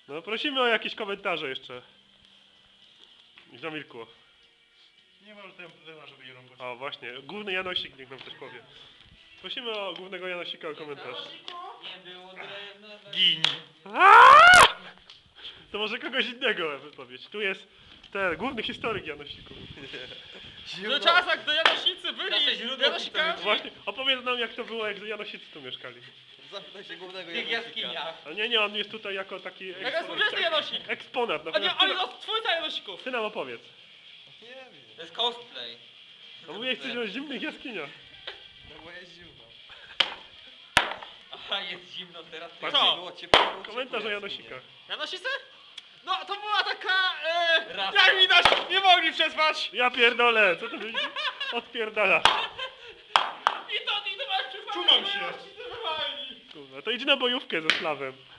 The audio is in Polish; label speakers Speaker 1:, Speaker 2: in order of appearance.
Speaker 1: No prosimy o jakieś komentarze jeszcze. I zamilkło.
Speaker 2: Nie ma już tema, żeby je rąbać.
Speaker 1: O właśnie, główny Janosik niech nam coś powie. Prosimy o głównego Janosika o komentarz.
Speaker 3: Nie było drewna.
Speaker 2: Gin.
Speaker 1: To może kogoś innego wypowiedź. Tu jest ten główny historyk Janosiku.
Speaker 4: Do czasach do Janosicy
Speaker 3: Nasze
Speaker 4: byli
Speaker 3: źródło
Speaker 4: Janosikami.
Speaker 1: Właśnie, opowiedz nam jak to było, jak Janosicy tu mieszkali.
Speaker 5: Zapytaj się głównego
Speaker 3: W tych jaskiniach.
Speaker 1: A nie, on jest tutaj jako taki
Speaker 4: Jaka współczesny Janosik?
Speaker 1: eksponat.
Speaker 4: A nie,
Speaker 1: Natomiast
Speaker 4: ale no, twórca Janosików.
Speaker 1: ty nam opowiedz.
Speaker 5: Nie wiem.
Speaker 3: To jest cosplay.
Speaker 1: No mówię coś o zimnych jaskiniach.
Speaker 5: No bo jest zimno.
Speaker 3: Aha, jest zimno teraz.
Speaker 4: Co?
Speaker 5: Było ciepło, było
Speaker 1: Komentarz o
Speaker 5: ciepło,
Speaker 1: Janosikach.
Speaker 4: Janosicy? No, to była taka,
Speaker 3: Rasa.
Speaker 4: jak widać, nie mogli przetrwać.
Speaker 1: Ja pierdolę, co to będzie? Odpierdala.
Speaker 4: I to masz przypadek,
Speaker 2: Czuwam się.
Speaker 4: Janosicy wywalni.
Speaker 1: Kurwa, to idź na bojówkę ze Slawem.